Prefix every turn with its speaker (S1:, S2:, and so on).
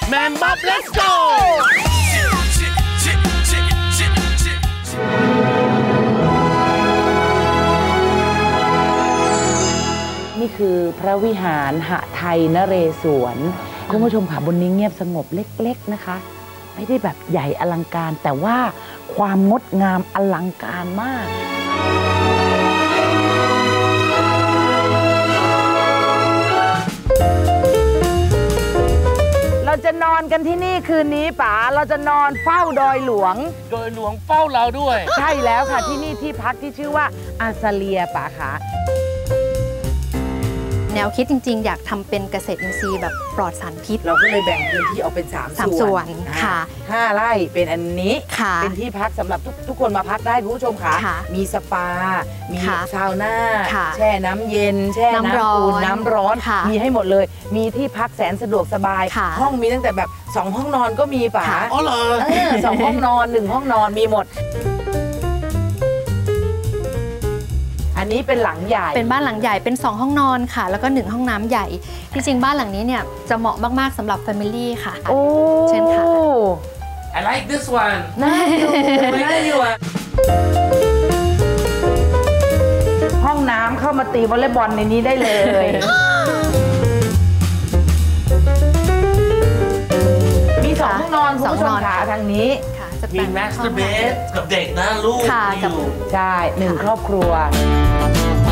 S1: แมมบ๊อบ let's go
S2: นี่คือพระวิหารหไทยนเรศวรคุณผู้ชมค่ะบนนี้เงียบสงบเล็กๆนะคะไม่ได้แบบใหญ่อลังการแต่ว่าความงดงามอลังการมากเราจะนอนกันที่นี่คืนนี้ป๋าเราจะนอนเฝ้าดอยหลวง
S1: โดยหลวงเฝ้าเราด้วย
S2: ใช่แล้วค่ะที่นี่ที่พักที่ชื่อว่าอาซาเลียป๋าค่ะ
S3: แนวคิดจริงๆอยากทำเป็นเกษตรอินทรีย์แบบปลอดสารพิษ
S2: เราก็เลยแบ่งพื้นที่ออกเป็น3 ส่วน
S3: ค่ะ
S2: 5 ไร่เป็นอันนี้
S3: เป็น
S2: ที่พักสำหรับทุกคนมาพักได้คุณผู้ชมค่ะมีสปามีซาวน่าแช่น้ำเย็นแช่น้ำอุ่นน้ำร้อนมีให้หมดเลยมีที่พักแสนสะดวกสบายห้องมีตั้งแต่แบบ2 ห้องนอนก็มีป๋า
S1: อ๋อเหรอ
S2: 2 ห้องนอน1 ห้องนอนมีหมดอันนี้เป็นหลังใหญ่
S3: เป็นบ้านหลังใหญ่เป็น2 ห้องนอนค่ะแล้วก็1 ห้องน้ำใหญ่จริงๆบ้านหลังนี้เนี่ยจะเหมาะมากๆสำหรับ Family ค่ะ
S2: โอ้
S3: เช่นค่ะ
S1: I like this one
S2: น่าอยู่ห้องน้ำเข้ามาตีวอลเลย์บอลในนี้ได้เลยมี2 ห้องนอนคุณผู้ชมค่ะทางนี้
S1: มีมาสเตอร์เบดกับเด็กนะลูกอยู่
S2: ใช่1 ครอบครัว